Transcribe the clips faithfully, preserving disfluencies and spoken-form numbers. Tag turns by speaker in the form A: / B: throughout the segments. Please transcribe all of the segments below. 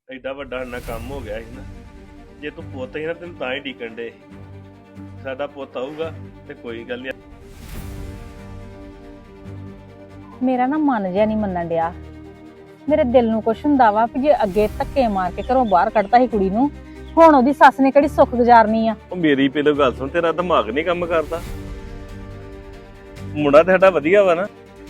A: ਐਡਾ ਵੱਡਾ ਨਾ ਕੰਮ ਹੋ ਗਿਆ ਸੀ ਨਾ। ਜੇ ਤੂੰ ਪੁੱਤ ਹੀ ਨਾ ਤੈਨੂੰ ਤਾਂ ਹੀ ਡੀਕਣ ਡੇ। ਸਾਡਾ ਪੁੱਤ ਆਊਗਾ ਤੇ ਕੋਈ ਗੱਲ ਨਹੀਂ।
B: ਮੇਰਾ ਨਾ ਮਨ ਜਿਹਾ ਨਹੀਂ ਮੰਨਣ ਡਿਆ। ਮੇਰੇ ਦਿਲ ਨੂੰ ਕੁਛ ਹੁੰਦਾ ਵਾ ਕਿ ਜੇ ਅੱਗੇ ਧੱਕੇ ਮਾਰ ਕੇ ਘਰੋਂ ਬਾਹਰ ਕੱਢਤਾ ਸੀ ਕੁੜੀ ਨੂੰ, ਹੁਣ ਉਹਦੀ ਸੱਸ ਨੇ ਕਿਹੜੀ ਸੁੱਖ ਗੁਜ਼ਾਰਨੀ ਆ।
A: ਉਹ ਮੇਰੀ ਪਹਿਲੋਂ ਗੱਲ ਸੁਣ, ਤੇਰਾ ਦਿਮਾਗ ਨਹੀਂ ਕੰਮ ਕਰਦਾ। ਮੁੰਡਾ ਤੇ ਸਾਡਾ ਵਧੀਆ ਵਾ ਨਾ।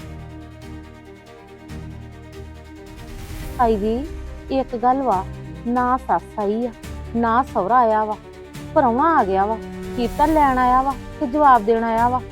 C: ਆਈ ਦੀ ਇੱਕ ਗੱਲ ਵਾ, ਨਾ ਸੱਸ ਆਈ ਆ ਨਾ ਸਹੁਰਾ ਆਇਆ ਵਾ, ਪ੍ਰਾਹੁਣਾ ਆ ਗਿਆ ਵਾ। ਕੀਤਾ ਲੈਣ ਆਇਆ ਵਾ ਤੇ ਜਵਾਬ ਦੇਣ ਆਇਆ ਵਾ।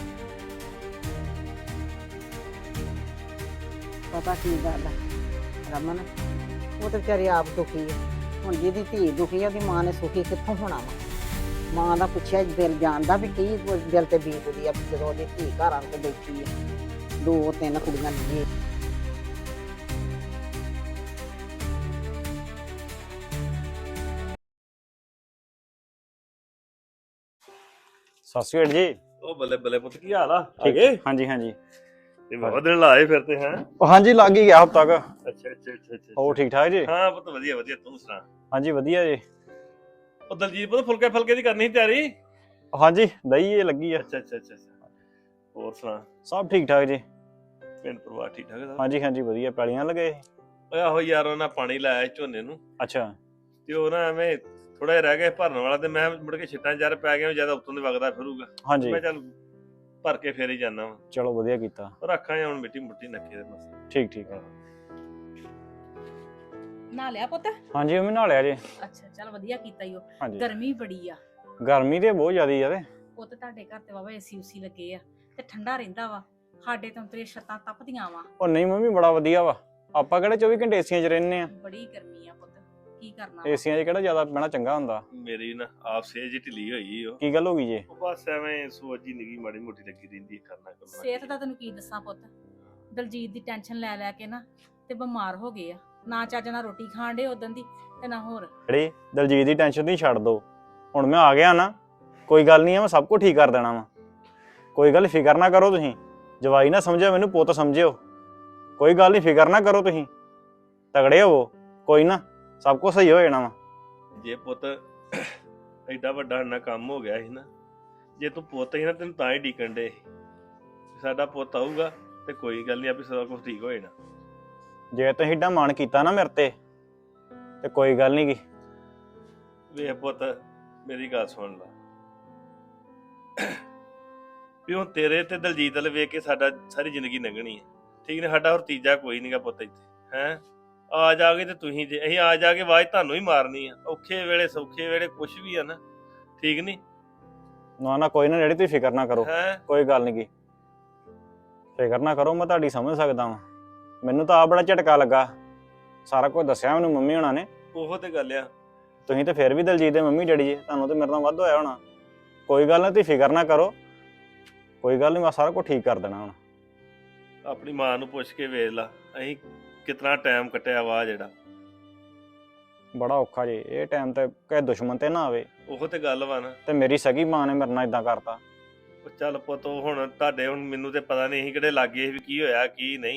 D: ਪਤਾ ਕੀ ਗੱਲ ਆ ਰਮਨ, ਉਹ ਤੇ ਵਿਚਾਰੀ ਆਪ ਦੁਖੀ ਹੈ। ਹੁਣ ਜਿਹਦੀ ਧੀ ਦੁਖੀ ਆ, ਉਹਦੀ ਮਾਂ ਨੇ ਸੁਖੀ ਕਿੱਥੋਂ ਹੋਣਾ ਵਾ। ਮਾਂ ਦਾ ਪੁੱਛਿਆ ਦਿਲ ਜਾਣਦਾ ਵੀ ਕੀ ਦਿਲ ਤੇ ਬੀਤਦੀ ਆ ਜਦੋਂ ਉਹਦੀ ਧੀ ਘਰ ਆਣ ਕੇ ਬੈਠੀ ਹੈ। ਦੋ ਤਿੰਨ ਕੁੜੀਆਂ ਨੇ।
E: ਸਤਿ ਸ਼੍ਰੀ ਅਕਾਲ ਜੀ।
A: ਉਹ ਬੱਲੇ ਬੱਲੇ ਪੁੱਤ, ਕੀ ਹਾਲ ਆ? ਆ
E: ਠੀਕ
A: ਗਏ?
E: ਹਾਂਜੀ ਹਾਂਜੀ।
A: ਤੇ ਬਹੁਤ ਦਿਨ ਲਾਏ ਫਿਰ ਤੇ। ਹੈ
E: ਉਹ ਹਾਂਜੀ ਲੱਗ ਹੀ ਗਿਆ ਹਫ਼ਤਾ ਤੱਕ।
A: ਅੱਛਾ ਅੱਛਾ ਅੱਛਾ ਅੱਛਾ।
E: ਹੋਰ ਠੀਕ ਠਾਕ ਜੀ?
A: ਹਾਂ ਪੁੱਤ ਵਧੀਆ ਵਧੀਆ, ਤੂੰ ਸੁਣਾ?
E: ਹਾਂਜੀ ਵਧੀਆ ਜੀ।
A: ਉਹ ਦਲਜੀਤ ਪੁੱਤ ਫੁਲਕੇ ਫਲਕੇ ਦੀ ਕਰਨੀ ਸੀ ਤਿਆਰੀ?
E: ਹਾਂਜੀ ਦਈ ਇਹ ਲੱਗੀ ਆ।
A: ਅੱਛਾ ਅੱਛਾ ਅੱਛਾ। ਹੋਰ ਸੁਣਾ?
E: ਸਭ ਠੀਕ ਠਾਕ ਜੀ।
A: ਪਿੰਡ ਪਰਿਵਾਰ ਠੀਕ ਠਾਕ ਹੈ?
E: ਹਾਂਜੀ ਹਾਂਜੀ ਵਧੀਆ। ਪੈਲੀਆਂ ਲਗੇ?
A: ਓਏ ਆਹੋ ਯਾਰ, ਉਹਨਾਂ ਪਾਣੀ ਲਾਇਆ ਝੋਨੇ ਨੂੰ
E: ਅੱਛਾ।
A: ਤੇ ਉਹ ਨਾ ਐਵੇਂ ਥੋੜਾ ਜਿਹਾ ਰਹਿ ਗਿਆ ਭਰਨ ਵਾਲਾ, ਤੇ ਮੈਂ ਮੁੜ ਕੇ ਛਿੱਟਾਂ ਚਾਰ ਪੈ ਗਿਆ, ਜਿਆਦਾ ਉੱਤੋਂ ਦੀ ਵਗਦਾ ਫਿਰੂਗਾ।
E: ਹਾਂਜੀ
A: ਮੈਂ ਚੱਲ ਭਰ ਕੇ ਫੇਰ ਹੀ ਜਾਣਾ ਵਾ।
E: ਚਲੋ ਵਧੀਆ ਕੀਤਾ।
A: ਰੱਖਾਂ ਜਾਂ ਹੁਣ ਮਿੱਟੀ ਮੁੱਟੀ ਨੱਕੇ ਦੇ ਬਸ।
E: ਠੀਕ ਠੀਕ ਆ।
B: ਨਾ ਲਿਆ ਪੁੱਤ?
E: ਹਾਂਜੀ ਮੰਮੀ ਨਾਲ ਲਿਆ ਜੀ।
B: ਅੱਛਾ ਚੱਲ ਵਧੀਆ ਕੀਤਾ ਈ। ਉਹ
E: ਹਾਂਜੀ
B: ਗਰਮੀ ਬੜੀ ਆ।
E: ਗਰਮੀ ਤੇ ਬਹੁਤ ਜ਼ਿਆਦੀ ਆ। ਤੇ
B: ਪੁੱਤ ਤੁਹਾਡੇ ਘਰ ਤੇ ਵਾਵਾ ਏਸੀ ਉਸੀ ਲੱਗੇ ਆ ਤੇ ਠੰਡਾ ਰਹਿੰਦਾ ਵਾ। ਸਾਡੇ ਤਾਂ ਤੇਰੇ ਛੱਤਾਂ ਤਪਦੀਆਂ ਵਾ।
E: ਉਹ ਨਹੀਂ ਮੰਮੀ ਬੜਾ ਵਧੀਆ ਵਾ। ਆਪਾਂ ਕਿਹੜੇ ਚੌਵੀ ਘੰਟੇ ਏਸੀਆਂ 'ਚ ਰਹਿੰਦੇ ਆ।
B: ਬੜੀ ਗਰਮੀ ਆ ਪੁੱਤ, ਕੀ ਕਰਨਾ।
E: ਏਸੀਆਂ 'ਚ ਕਿਹੜਾ ਜ਼ਿਆਦਾ ਬਹਿਣਾ ਚੰਗਾ ਹੁੰਦਾ।
A: ਮੇਰੀ ਨਾ ਆਪ ਸੇਜ ਜਿਹੀ ਢਿੱਲੀ ਹੋਈ ਉਹ।
E: ਕੀ ਗੱਲ ਹੋ ਗਈ ਜੀ?
A: ਉਹ ਬਸ ਐਵੇਂ ਸੋਚ ਜੀ ਨਿੱਗੀ ਮਾੜੀ ਮੋਟੀ ਲੱਗੀ ਰਹਿੰਦੀ ਹੈ, ਕਰਨਾ ਕਰਨਾ।
B: ਸਿਹਤ ਦਾ ਤੈਨੂੰ ਕੀ ਦੱਸਾਂ ਪੁੱਤ, ਦਲਜੀਤ ਦੀ ਟੈਨਸ਼ਨ ਲੈ ਲੈ ਕੇ ਨਾ ਤੇ ਬਿਮਾਰ ਹੋ ਗਏ ਆ। ਨਾ ਚੱਜ ਨਾਲ ਰੋਟੀ ਖਾਣ ਡੇ ਉਦੋਂ ਦੀ ਤੇ ਨਾ ਹੋਰ।
E: ਜਿਹੜੀ ਦਲਜੀਤ ਦੀ ਟੈਨਸ਼ਨ ਨਹੀਂ ਛੱਡ ਦੋ। ਹੁਣ ਮੈਂ ਆ ਗਿਆ ਨਾ, ਕੋਈ ਗੱਲ ਨਹੀਂ ਆ, ਮੈਂ ਸਭ ਕੁਝ ਠੀਕ ਕਰ ਦੇਣਾ ਵਾ। ਕੋਈ ਗੱਲ ਫਿਕਰ ਨਾ ਕਰੋ ਤੁਸੀਂ। ਜਵਾਈ ਨਾ ਸਮਝਿਓ ਮੈਨੂੰ, ਪੁੱਤ ਸਮਝਿਓ। ਕੋਈ ਗੱਲ ਨਹੀਂ, ਫਿਕਰ ਨਾ ਕਰੋ ਤੁਸੀਂ, ਤਗੜੇ ਹੋਵੋ। ਕੋਈ ਨਾ ਸਭ ਕੁਝ ਸਹੀ ਹੋ ਜਾਣਾ ਵਾ।
A: ਜੇ ਪੁੱਤ ਐਡਾ ਵੱਡਾ ਨਾ ਕੰਮ ਹੋ ਗਿਆ ਸੀ ਨਾ। ਜੇ ਤੂੰ ਪੁੱਤ ਹੀ ਨਾ ਤੈਨੂੰ ਤਾਂ ਹੀ ਡੀਕਣ ਡੇ। ਸਾਡਾ ਪੁੱਤ ਆਊਗਾ ਤੇ ਕੋਈ ਗੱਲ ਨਹੀਂ, ਆਪੇ ਸਾਰਾ ਕੁਝ ਠੀਕ ਹੋ ਜਾਣਾ।
E: ਜੇ ਤੁਸੀਂ ਏਡਾ ਮਾਣ ਕੀਤਾ ਨਾ ਮੇਰੇ ਤੇ ਤੇ ਕੋਈ ਗੱਲ ਨਹੀਂ ਗੀ।
A: ਵੇਖ ਪੁੱਤ, ਮੇਰੀ ਗੱਲ ਸੁਣ ਲਾ ਵੀ ਹੁਣ ਤੇਰੇ ਤੇ ਦਲਜੀਤ ਵੱਲ ਵੇਖ ਕੇ ਸਾਡਾ ਸਾਰੀ ਜ਼ਿੰਦਗੀ ਲੰਘਣੀ ਹੈ, ਠੀਕ ਨੇ? ਸਾਡਾ ਹੋਰ ਤੀਜਾ ਕੋਈ ਨਹੀਂਗਾ ਪੁੱਤ ਇੱਥੇ। ਹੈ ਆ ਜਾ ਕੇ ਤੇ ਤੁਸੀਂ ਜੇ ਅਸੀਂ ਆ ਜਾ ਕੇ ਆਵਾਜ਼ ਤੁਹਾਨੂੰ ਹੀ ਮਾਰਨੀ ਆ। ਔਖੇ ਵੇਲੇ ਸੌਖੇ ਵੇਲੇ ਕੁਛ ਵੀ ਆ ਨਾ, ਠੀਕ ਨੀ?
E: ਨਾ ਨਾ ਕੋਈ ਨਾ ਡੈਡੀ, ਤੁਸੀਂ ਫਿਕਰ ਨਾ ਕਰੋ।
A: ਹੈ
E: ਕੋਈ ਗੱਲ ਨਹੀਂ ਗੀ, ਫਿਕਰ ਨਾ ਕਰੋ। ਮੈਂ ਤੁਹਾਡੀ ਸਮਝ ਸਕਦਾ ਵਾਂ। ਮੈਨੂੰ ਤਾਂ ਆ ਬੜਾ ਝਟਕਾ ਲੱਗਾ। ਸਾਰਾ ਕੁਝ ਦੱਸਿਆ ਮੈਨੂੰ ਮੰਮੀ ਹੋਣਾ ਨੇ।
A: ਉਹੋ ਤੇ ਗੱਲ ਆ।
E: ਤੁਸੀਂ ਤੇ ਫਿਰ ਵੀ ਦਲਜੀਤ ਦੇ ਮੰਮੀ ਡੈਡੀ ਜੀ, ਤੁਹਾਨੂੰ ਤੇ ਮੇਰੇ ਨਾਲ ਵੱਧ ਹੋਇਆ ਹੋਣਾ। ਕੋਈ ਗੱਲ ਨਹੀਂ, ਤੁਸੀਂ ਫਿਕਰ ਨਾ ਕਰੋ। ਕੋਈ ਗੱਲ ਨਹੀਂ, ਮੈਂ ਸਾਰਾ ਕੁਝ ਠੀਕ ਕਰ ਦੇਣਾ ਹੁਣ।
A: ਆਪਣੀ ਮਾਂ ਨੂੰ ਪੁੱਛ ਕੇ ਵੇਖ ਲਾ, ਅਸੀਂ ਕਿਤਨਾ ਟਾਈਮ ਕੱਟਿਆ ਵਾ। ਜਿਹੜਾ
E: ਬੜਾ ਔਖਾ ਜੀ ਇਹ ਟਾਈਮ ਤੇ, ਕਿਸੇ ਦੁਸ਼ਮਣ ਤੇ ਨਾ ਆਵੇ।
A: ਉਹੋ ਤੇ ਗੱਲ ਵਾ ਨਾ।
E: ਤੇ ਮੇਰੀ ਸਗੀ ਮਾਂ ਨੇ ਮੇਰੇ ਨਾਲ ਇਦਾਂ ਕਰਤਾ।
A: ਉਹ ਚੱਲ ਪੁੱਤ, ਉਹ ਹੁਣ ਤੁਹਾਡੇ ਹੁਣ ਮੈਨੂੰ ਤੇ ਪਤਾ ਨਹੀਂ ਸੀ ਕਿਹੜੇ ਲਾਗੇ ਸੀ ਵੀ ਕੀ ਹੋਇਆ ਕੀ ਨਹੀਂ।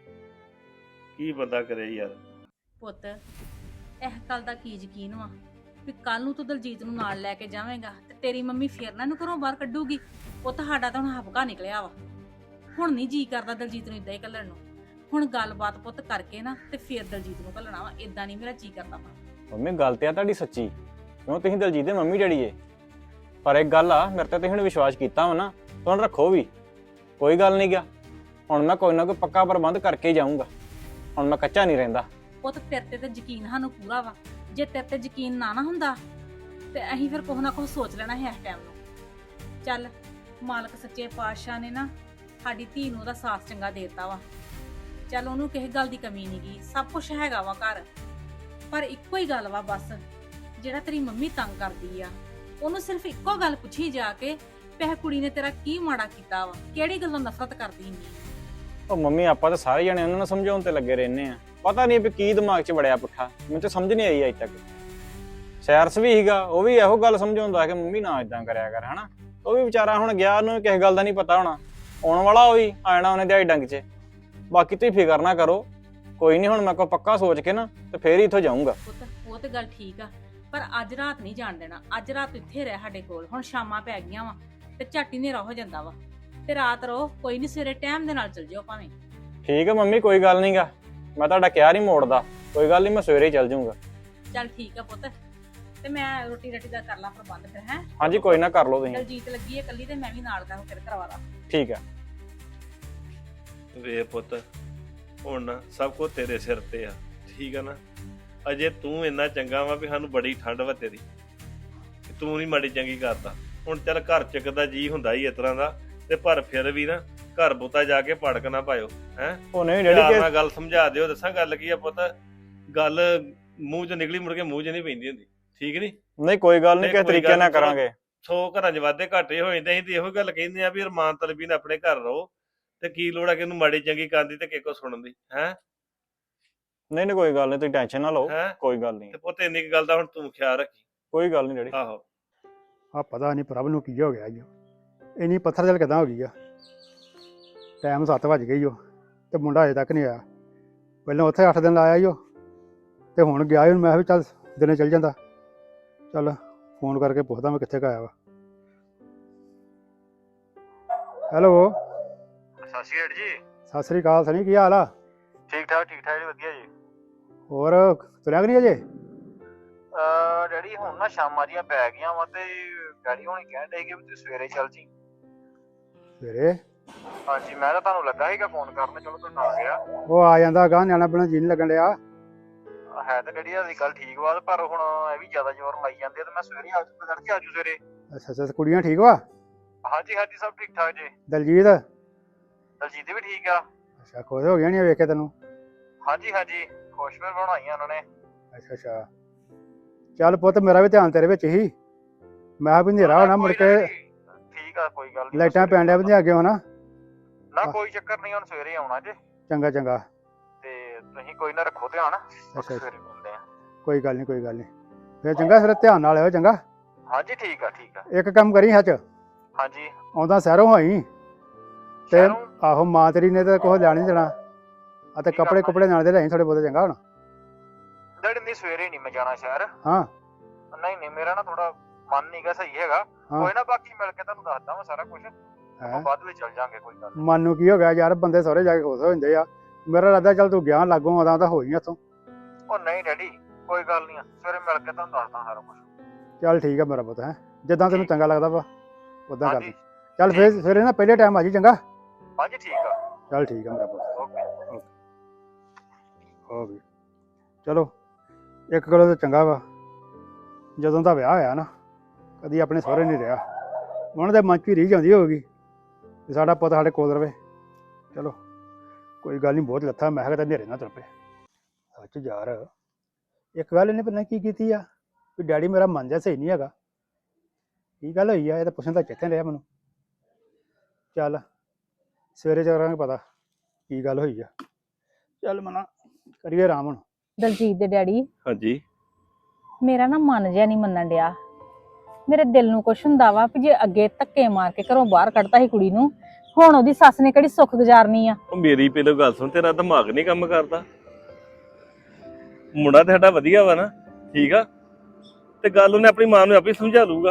A: ਕੀ ਬੰਦਾ ਕਰੇ ਯਾਰ।
B: ਪੁੱਤ ਇਹ ਗੱਲ ਦਾ ਕੀ ਯਕੀਨ ਵਾ ਵੀ ਕੱਲ ਨੂੰ ਤੂੰ ਦਲਜੀਤ ਨੂੰ ਨਾਲ ਲੈ ਕੇ ਜਾਵੇਂਗਾ ਤੇ ਤੇਰੀ ਮੰਮੀ ਫੇਰ ਨਾ ਇਹਨੂੰ ਘਰੋਂ ਬਾਹਰ ਕੱਢੂਗੀ। ਉਹ ਤੁਹਾਡਾ ਤਾਂ ਹੁਣ ਹਫਕਾ ਨਿਕਲਿਆ ਵਾ। ਹੁਣ ਨਹੀਂ ਜੀ ਕਰਦਾ ਦਲਜੀਤ ਨੂੰ ਇਦਾਂ ਹੀ ਘੱਲਣ ਨੂੰ। ਹੁਣ ਗੱਲਬਾਤ ਪੁੱਤ ਕਰਕੇ ਨਾ ਤੇ ਫੇਰ ਦਲਜੀਤ ਨੂੰ ਘੱਲਣਾ ਵਾ। ਇਦਾਂ ਨਹੀਂ ਮੇਰਾ ਜੀ ਕਰਦਾ ਵਾ।
E: ਮੰਮੀ ਗੱਲ ਤੇ ਆ ਤੁਹਾਡੀ ਸੱਚੀ, ਕਿਉਂ ਤੁਸੀਂ ਦਲਜੀਤ ਦੇ ਮੰਮੀ ਡੈਡੀ ਏ। ਪਰ ਇੱਕ ਗੱਲ ਆ, ਮੇਰੇ ਤੇ ਤੁਸੀਂ ਹੁਣ ਵਿਸ਼ਵਾਸ ਕੀਤਾ ਵਾ ਨਾ, ਤੁਹਾਨੂੰ ਰੱਖੋ ਵੀ। ਕੋਈ ਗੱਲ ਨਹੀਂ ਗਿਆ, ਹੁਣ ਮੈਂ ਕੋਈ ਨਾ ਕੋਈ ਪੱਕਾ ਪ੍ਰਬੰਧ ਕਰਕੇ ਹੀ ਜਾਊਂਗਾ। ਹੁਣ ਮੈਂ ਕੱਚਾ ਨਹੀਂ ਰਹਿੰਦਾ।
B: ਪੁੱਤ ਤੇਰੇ ਤੇ ਤਾਂ ਯਕੀਨ ਸਾਨੂੰ ਪੂਰਾ ਵਾ। ਜੇ ਤੇਰੇ ਤੇ ਯਕੀਨ ਨਾ ਨਾ ਹੁੰਦਾ ਤੇ ਅਸੀਂ ਫਿਰ ਕੁਛ ਨਾ ਕੁਛ ਸੋਚ ਲੈਣਾ ਹੈ ਇਸ ਟਾਈਮ ਨੂੰ। ਚੱਲ ਮਾਲਕ ਸੱਚੇ ਪਾਤਸ਼ਾਹ ਨੇ ਨਾ ਸਾਡੀ ਧੀ ਨੂੰ ਉਹਦਾ ਸਾਥ ਚੰਗਾ ਦੇਤਾ ਵਾ। ਚੱਲ ਉਹਨੂੰ ਕਿਸੇ ਗੱਲ ਦੀ ਕਮੀ ਨਹੀਂ ਗਈ, ਸਭ ਕੁਝ ਹੈਗਾ ਵਾ ਘਰ। ਪਰ ਇੱਕੋ ਹੀ ਗੱਲ ਵਾ ਬਸ, ਜਿਹੜਾ ਤੇਰੀ ਮੰਮੀ ਤੰਗ ਕਰਦੀ ਆ, ਉਹਨੂੰ ਸਿਰਫ ਇੱਕੋ ਗੱਲ ਪੁੱਛੀ ਜਾ ਕੇ ਪਿਆ ਕੁੜੀ ਨੇ ਤੇਰਾ ਕੀ ਮਾੜਾ ਕੀਤਾ ਵਾ, ਕਿਹੜੀ ਗੱਲੋਂ ਨਫ਼ਰਤ ਕਰਦੀ ਨਹੀਂ।
E: ਉਹ ਮੰਮੀ ਆਪਾਂ ਤਾਂ ਸਾਰੇ ਜਣੇ ਉਹਨਾਂ ਨੂੰ ਸਮਝਾਉਣ ਤੇ ਲੱਗੇ ਰਹਿੰਦੇ ਆ। ਪਤਾ ਨਹੀਂ ਵੀ ਕੀ ਦਿਮਾਗ 'ਚ ਵੜਿਆ ਪੁੱਠਾ, ਮੈਨੂੰ ਤਾਂ ਸਮਝ ਨਹੀਂ ਆਈ ਅਜੇ ਤੱਕ। ਸੈਰਸ ਵੀ ਸੀਗਾ, ਉਹ ਵੀ ਇਹੋ ਗੱਲ ਸਮਝਾਉਂਦਾ ਕਿ ਮੰਮੀ ਨਾ ਇਦਾਂ ਕਰਿਆ ਕਰ, ਹਨਾ? ਉਹ ਵੀ ਵਿਚਾਰਾ ਹੁਣ ਗਿਆ, ਉਹਨੂੰ ਕਿਸੇ ਗੱਲ ਦਾ ਨਹੀਂ ਪਤਾ ਹੋਣਾ। ਆਉਣ ਵਾਲਾ ਉਹ ਵੀ ਆ ਜਾਣਾ ਉਹਨੇ ਦਿਹਾੜੀ ਡੰਗ 'ਚ। ਬਾਕੀ ਤੁਸੀਂ ਫਿਕਰ ਨਾ ਕਰੋ, ਕੋਈ ਨਹੀਂ, ਹੁਣ ਮੈਂ ਕੋ ਪੱਕਾ ਸੋਚ ਕੇ ਨਾ ਤੇ ਫੇਰ ਹੀ ਇੱਥੋਂ ਜਾਊਂਗਾ।
B: ਪੁੱਤ ਉਹ ਤੇ ਗੱਲ ਠੀਕ ਆ, ਪਰ ਅੱਜ ਰਾਤ ਨਹੀਂ ਜਾਣ ਦੇਣਾ। ਅੱਜ ਰਾਤ ਇੱਥੇ ਰਹਿ ਸਾਡੇ ਕੋਲ। ਹੁਣ ਸ਼ਾਮਾਂ ਪੈ ਗਈਆਂ ਵਾ ਤੇ ਝੱਟ ਹੀ ਹਨੇਰਾ ਹੋ ਜਾਂਦਾ ਵਾ, ਤੇ ਰਾਤ ਰਹੋ। ਕੋਈ ਨਹੀਂ, ਸਵੇਰੇ ਟਾਈਮ ਦੇ ਨਾਲ ਚਲ ਜਿਓ ਭਾਵੇਂ।
E: ਠੀਕ ਹੈ ਮੰਮੀ, ਕੋਈ ਗੱਲ ਨਹੀਂਗਾ, ਮੈਂ ਤੁਹਾਡਾ ਕਿਹਾ ਨਹੀਂ ਮੋੜਦਾ। ਕੋਈ ਗੱਲ ਨਹੀਂ, ਮੈਂ ਸਵੇਰੇ ਹੀ ਚੱਲ ਜਾਊਂਗਾ।
B: ਚੱਲ ਠੀਕ ਆ ਪੁੱਤ, ਤੇ ਮੈਂ ਰੋਟੀ ਰੱਟੀ ਦਾ ਕਰ ਲਾਂ ਪ੍ਰਬੰਧ ਫਿਰ। ਹੈ
E: ਹਾਂਜੀ ਕੋਈ ਨਾ, ਕਰ ਲਓ ਤੁਸੀਂ।
B: ਦਲਜੀਤ ਲੱਗੀ ਹੈ ਇਕੱਲੀ, ਤੇ ਮੈਂ ਵੀ ਨਾਲ ਦਾ ਫਿਰ ਕਰਵਾ ਲਾਂ।
E: ਠੀਕ ਹੈ।
A: ਵੇ ਪੁੱਤ, ਹੁਣ ਨਾ ਸਭ ਕੁਝ ਤੇਰੇ ਸਿਰ ਤੇ ਆ, ਠੀਕ ਆ ਨਾ। ਅਜੇ ਤੂੰ ਇੰਨਾ ਚੰਗਾ ਵਾ ਵੀ ਸਾਨੂੰ ਬੜੀ ਠੰਡ ਵਾ ਤੇਰੀ, ਤੂੰ ਨਹੀਂ ਮਾੜੀ ਚੰਗੀ ਕਰਦਾ। ਹੁਣ ਚੱਲ ਘਰ ਚੱਕ ਦਾ ਜੀ ਹੁੰਦਾ ਹੀ ਇਸ ਤਰ੍ਹਾਂ ਦਾ, ਤੇ ਪਰ ਫਿਰ ਵੀ ਨਾ ਘਰ ਬੁੱਤਾ ਜਾ ਕੇ ਪੜਕ ਨਾ ਪਾਇਓ। ਹੈ
E: ਉਹ ਨਹੀਂ
A: ਪਿਆਰ
E: ਡੈਡੀ,
A: ਨਾਲ ਗੱਲ ਸਮਝਾ ਦਿਓ। ਦੱਸਾਂ ਗੱਲ ਕੀ ਆ ਪੁੱਤ, ਗੱਲ ਮੂੰਹ 'ਚ ਨਿਕਲੀ ਮੁੜ ਕੇ ਮੂੰਹ 'ਚ ਨਹੀਂ ਪੈਂਦੀ ਹੁੰਦੀ, ਠੀਕ ਨਹੀਂ।
E: ਨਹੀਂ ਕੋਈ ਗੱਲ ਨਹੀਂ,
A: ਨਹੀਂ,
E: ਕਿਸ
A: ਕੋਈ
E: ਤਰੀਕੇ
A: ਗੱਲ
E: ਨਾਲ
A: ਨੀ, ਚਲੋ।
E: ਕਰਾਂਗੇ।
A: ਸੌ ਘਰਾਂ 'ਚ ਵਾਧੇ ਘਾਟੇ ਹੋ ਜਾਂਦੇ। ਅਸੀਂ ਤੇ ਇਹੋ ਗੱਲ ਕਹਿੰਦੇ ਆ ਵੀ ਅਰਮਾਨ ਤਲਬੀ ਨੇ ਆਪਣੇ ਘਰ ਰਹੋ, ਤੇ ਕੀ ਲੋੜ ਆ ਕਿ ਇਹਨੂੰ ਮਾੜੀ ਚੰਗੀ ਕਰਦੀ ਤੇ ਕਿਹਕੋ ਸੁਣਨ ਦੀ। ਹੈ
E: ਨਹੀਂ ਨਹੀਂ ਕੋਈ ਗੱਲ ਨਹੀਂ, ਤੁਸੀਂ ਟੈਨਸ਼ਨ ਨਾ ਲਓ,
A: ਹੈ
E: ਕੋਈ ਗੱਲ ਨਹੀਂ।
A: ਤੇ ਪੁੱਤ ਇੰਨੀ ਕੁ ਗੱਲ ਦਾ ਹੁਣ ਤੂੰ ਖਿਆਲ ਰੱਖੀ।
E: ਕੋਈ ਗੱਲ ਨਹੀਂ ਡੈਡੀ।
A: ਆਹੋ
F: ਆ ਪਤਾ ਨਹੀਂ ਪ੍ਰਭ ਨੂੰ ਕੀ ਹੋ ਗਿਆ ਜੀ, ਇੰਨੀ ਪੱਥਰ ਜਲ ਕਿੱਦਾਂ ਹੋ ਗਈ ਆ। ਟਾਈਮ ਸੱਤ ਵੱਜ ਗਈ ਓ ਤੇ ਮੁੰਡਾ ਅਜੇ ਤੱਕ ਨਹੀਂ ਆਇਆ। ਪਹਿਲਾਂ ਉੱਥੇ ਅੱਠ ਦਿਨ ਲਾਇਆ ਈ ਓ, ਤੇ ਹੁਣ ਗਿਆ ਈ। ਮੈਂ ਵੀ ਚੱਲ ਦਿਨੇ ਚੱਲ ਜਾਂਦਾ, ਚੱਲ ਫੋਨ ਕਰਕੇ ਪੁੱਛਦਾ ਮੈਂ ਕਿੱਥੇ ਕੁ ਆਇਆ ਵਾ। ਹੈਲੋ,
G: ਸਤਿ ਸ਼੍ਰੀ ਅਕਾਲ ਜੀ।
F: ਸਤਿ ਸ੍ਰੀ ਅਕਾਲ ਸਨੀ, ਕੀ ਹਾਲ ਆ?
G: ਠੀਕ ਠਾਕ ਠੀਕ ਠਾਕ ਜੀ, ਵਧੀਆ ਜੀ।
F: ਹੋਰ ਤੁਰਿਆ ਕਿ ਨਹੀਂ ਅਜੇ?
G: ਅਹ ਡੈਡੀ ਹੁਣ ਨਾ ਸ਼ਾਮਾਂ ਦੀਆਂ ਪੈ ਗਈਆਂ ਵਾ, ਤੇ ਡੈਡੀ ਹੁਣੀ ਕਹਿਣ ਡਏ ਕਿ ਵੀ ਤੂੰ ਸਵੇਰੇ ਚੱਲ ਜੀ।
F: ਸਵੇਰੇ?
G: ਹਾਂਜੀ, ਮੈਂ ਤਾਂ ਤੁਹਾਨੂੰ ਲੱਗਾ ਸੀਗਾ ਫੋਨ ਕਰਨ, ਚਲੋ ਤੂੰ ਆ ਗਿਆ।
F: ਉਹ ਆ ਜਾਂਦਾ ਗਾ, ਨਿਆਣਾ ਬਿਨਾਂ ਜੀ ਨਹੀਂ ਲੱਗਣ ਡਿਆ।
G: ਹੈ ਤਾਂ ਡੈਡੀ ਦੀ ਗੱਲ ਠੀਕ ਵਾ, ਪਰ ਹੁਣ ਇਹ ਵੀ ਜ਼ਿਆਦਾ ਜ਼ੋਰ ਲਾਈ ਜਾਂਦੇ ਆ, ਤੇ ਮੈਂ ਸਵੇਰੇ ਆ ਜੂ ਤੜਕੇ ਆ ਜੂ ਸਵੇਰੇ।
F: ਅੱਛਾ ਅੱਛਾ, ਕੁੜੀਆਂ ਠੀਕ ਵਾ?
G: ਹਾਂਜੀ ਹਾਂਜੀ, ਸਭ ਠੀਕ ਠਾਕ ਜੀ।
F: ਦਲਜੀਤ?
G: ਦਲਜੀਤ ਵੀ ਠੀਕ ਆ।
F: ਅੱਛਾ, ਖੁਸ਼ ਹੋ ਗਿਆ ਨਹੀਂ ਵੇਖ ਕੇ ਤੈਨੂੰ?
G: ਹਾਂਜੀ ਹਾਂਜੀ, ਖੁਸ਼ ਫਿਰ ਬਣਾਈਆਂ ਉਹਨਾਂ ਨੇ।
F: ਅੱਛਾ ਅੱਛਾ, ਚੱਲ ਪੁੱਤ ਮੇਰਾ ਵੀ ਧਿਆਨ ਤੇਰੇ ਵਿੱਚ ਹੀ। ਮੈਂ ਵੀ ਹਨੇਰਾ ਹੋਣਾ ਮੁੜ ਕੇ,
G: ਠੀਕ ਆ, ਕੋਈ ਗੱਲ ਨੀ।
F: ਲਾਈਟਾਂ ਪੈਣ ਡਿਆ ਵੀ ਅੱਗੇ ਹੋਣਾ।
G: ਨਾ ਕੋਈ ਚੱਕਰ ਨਹੀਂ, ਹੁਣ ਸਵੇਰੇ ਆਉਣਾ ਜੇ।
F: ਚੰਗਾ ਚੰਗਾ,
G: ਤੇ ਤੁਸੀਂ ਕੋਈ ਨਾ ਰੱਖੋ ਧਿਆਨ।
F: ਅੱਛਾ।
G: ਸਵੇਰੇ ਮਿਲਦੇ ਆ।
F: ਕੋਈ ਗੱਲ ਨਹੀਂ ਕੋਈ ਗੱਲ ਨਹੀਂ, ਫਿਰ ਚੰਗਾ, ਫਿਰ ਧਿਆਨ ਨਾਲ ਆਇਓ। ਚੰਗਾ,
G: ਹਾਂਜੀ ਠੀਕ ਆ ਠੀਕ ਆ।
F: ਇੱਕ ਕੰਮ ਕਰੀ ਸੱਚ,
G: ਹਾਂਜੀ।
F: ਆਉਂਦਾ ਸ਼ਹਿਰੋਂ ਹੋਈ ਤੇ
G: ਸ਼ਹਿਰੋਂ?
F: ਆਹੋ, ਮਾਂ ਤੇਰੀ ਨੇ ਤਾਂ ਕੁਛ ਲੈਣ ਨਹੀਂ ਦੇਣਾ। ਆ ਤੇ
G: ਕੀ
F: ਕੱਪੜੇ
G: ਕਰਨਾ?
F: ਕੁਪੜੇ ਨਾਲ ਦੇ ਲੈ ਥੋੜੇ ਬਹੁਤੇ। ਚੰਗਾ ਹੁਣ?
G: ਡੈਡੀ ਨਹੀਂ, ਸਵੇਰੇ ਨਹੀਂ ਮੈਂ ਜਾਣਾ ਸ਼ਹਿਰ।
F: ਹਾਂ
G: ਨਹੀਂ ਨਹੀਂ, ਮੇਰਾ ਨਾ ਥੋੜਾ ਮਨ ਨਹੀਂਗਾ ਸਹੀ ਹੈਗਾ।
F: ਹਾਂ।
G: ਕੋਈ ਨਾ, ਬਾਕੀ ਮਿਲ ਕੇ ਤੁਹਾਨੂੰ ਦੱਸਦਾ ਮੈਂ ਸਾਰਾ ਕੁਝ।
F: ਹੈਂ?
G: ਆਪਾਂ ਬਾਅਦ ਵਿੱਚ ਚੱਲ ਜਾਾਂਗੇ, ਕੋਈ ਗੱਲ ਨੀ।
F: ਮਨ ਨੂੰ ਕੀ ਹੋ ਗਿਆ ਯਾਰ, ਬੰਦੇ ਸਹੁਰੇ ਜਾ ਕੇ ਖੁਸ਼ ਹੋ ਜਾਂਦੇ ਆ। ਮੇਰਾ ਇਰਾਦਾ ਚੱਲ ਤੂੰ ਗਿਆ ਲਾਗੋਂ ਆਉਂਦਾ ਤਾਂ ਹੋ ਹੀ ਇੱਥੋਂ।
G: ਉਹ ਨਹੀਂ ਡੈਡੀ, ਕੋਈ ਗੱਲ ਨਹੀਂ, ਸਵੇਰੇ ਮਿਲ ਕੇ ਤੁਹਾਨੂੰ ਦੱਸਦਾ ਸਾਰਾ ਕੁਝ।
F: ਚੱਲ ਠੀਕ ਆ ਮੇਰਾ ਪੁੱਤ, ਹੈ ਜਿੱਦਾਂ ਤੈਨੂੰ ਚੰਗਾ ਲੱਗਦਾ ਵਾ ਉਦਾਂ ਕਰ
G: ਹਾਂਜੀ
F: ਲਈ। ਚੱਲ ਫੇਰ ਸਵੇਰੇ ਨਾ ਪਹਿਲੇ ਟਾਈਮ ਆ ਜੀ। ਚੰਗਾ,
G: ਹਾਂਜੀ ਠੀਕ ਆ।
F: ਚੱਲ ਠੀਕ ਆ ਮੇਰਾ ਪੁੱਤ।
G: ਓਕੇ।
F: ਹੋ ਗਈ। ਚਲੋ ਇੱਕ ਗੱਲੋਂ ਤਾਂ ਚੰਗਾ ਵਾ, ਜਦੋਂ ਦਾ ਵਿਆਹ ਹੋਇਆ ਨਾ ਕਦੀ ਆਪਣੇ ਸਹੁਰੇ ਨਹੀਂ ਰਿਹਾ। ਉਹਨਾਂ ਦੇ ਮਨ 'ਚ ਵੀ ਰੀਝ ਆਉਂਦੀ ਹੋਊਗੀ ਕਿ ਸਾਡਾ ਪੁੱਤ ਸਾਡੇ ਕੋਲ ਰਵੇ। ਚਲੋ ਕੋਈ ਗੱਲ ਨਹੀਂ, ਬਹੁਤ ਲੱਥਾ। ਮੈਂ ਕਿਹਾ ਤਾਂ ਹਨੇਰੇ ਨਾ ਤੁਰ ਪਏ। ਸੱਚ ਯਾਰ, ਇੱਕ ਗੱਲ ਇਹਨੇ ਪਹਿਲਾਂ ਕੀ ਕੀਤੀ ਆ ਵੀ ਡੈਡੀ ਮੇਰਾ ਮਨ ਜਿਹਾ ਸਹੀ ਨਹੀਂ ਹੈਗਾ। ਕੀ ਗੱਲ ਹੋਈ ਆ, ਇਹ ਤਾਂ ਪੁੱਛਣ ਦਾ ਚੇਤੇ ਨਹੀਂ ਰਿਹਾ ਮੈਨੂੰ। ਚੱਲ ਸਵੇਰੇ ਕਰਾਂਗੇ ਪਤਾ ਕੀ ਗੱਲ ਹੋਈ ਆ। ਚੱਲ ਮਨਾ ਕਰੀਏ ਆਰਾਮ ਹੁਣ।
C: ਦਲਜੀਤ ਦੇ ਡੈਡੀ,
A: ਹਾਂਜੀ
C: ਮੇਰਾ ਨਾ ਮਨ ਜਿਹਾ ਨਹੀਂ ਮੰਨਣ ਡਿਆ। ਮੇਰੇ ਦਿਲ ਨੂੰ ਕੁਛ ਹੁੰਦਾ ਵਾ ਵੀ ਜੇ ਅੱਗੇ ਧੱਕੇ ਮਾਰ ਕੇ ਘਰੋਂ ਬਾਹਰ ਕੱਢਤਾ ਸੀ ਕੁੜੀ ਨੂੰ, ਹੁਣ ਉਹਦੀ ਸੱਸ ਨੇ ਕਿਹੜੀ ਸੁੱਖ ਗੁਜ਼ਾਰਨੀ ਆ।
A: ਉਹ ਮੇਰੀ ਪਹਿਲਾਂ ਗੱਲ ਸੁਣ, ਤੇਰਾ ਦਿਮਾਗ ਨਹੀਂ ਕੰਮ ਕਰਦਾ। ਮੁੰਡਾ ਤੇ ਸਾਡਾ ਵਧੀਆ ਵਾ ਨਾ, ਠੀਕ ਆ, ਤੇ ਗੱਲ ਉਹਨੇ ਆਪਣੀ ਮਾਂ ਨੂੰ ਆਪੇ ਸਮਝਾ ਲੂਗਾ।